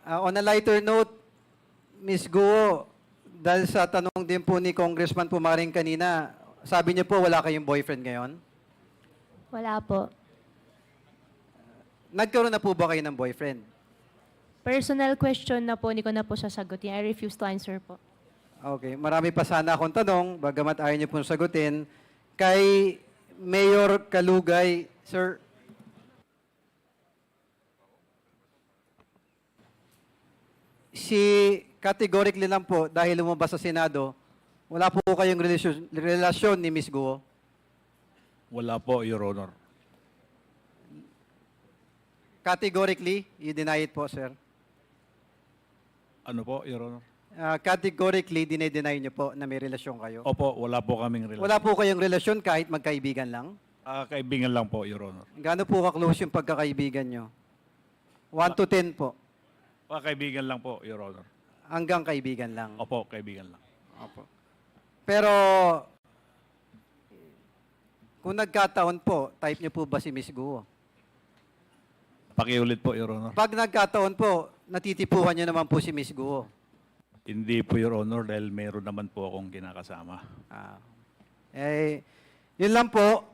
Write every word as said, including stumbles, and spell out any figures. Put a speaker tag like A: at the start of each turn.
A: Ah, on a lighter note, Miz Guo, dahil sa tanong din po ni Congressman Pumaring kanina, sabi niyo po wala kayong boyfriend ngayon?
B: Wala po.
A: Nagkaroon na po ba kayo ng boyfriend?
B: Personal question na po, hindi ko na po sasagutin. I refuse to answer po.
A: Okay, marami pa sana akong tanong, bagamat ayaw niyo pong sagutin. Kay Mayor Kalugay, sir, si categorically lang po, dahil lumabas sa Senado, wala po kayong relasyon, relasyon ni Miz Guo?
C: Wala po, Your Honor.
A: Categorically, you deny it po, sir.
C: Ano po, Your Honor?
A: Uh, categorically, dinay-deny niyo po na may relasyon kayo?
C: Opo, wala po kaming relasyon.
A: Wala po kayong relasyon kahit magkaibigan lang?
C: Ah, kaibigan lang po, Your Honor.
A: Gaano po ka-close yung pagkakaibigan nyo? one to ten po.
C: Ah, kaibigan lang po, Your Honor.
A: Hanggang kaibigan lang.
C: Opo, kaibigan lang.
A: Opo. Pero, kung nagkataon po, type niyo po ba si Miz Guo?
C: Pakiulit po, Your Honor.
A: Pag nagkataon po, natitipuhan niyo naman po si Miz Guo.
C: Hindi po, Your Honor, dahil mayroon naman po akong kinakasama.
A: Ah. Eh, yun lang po.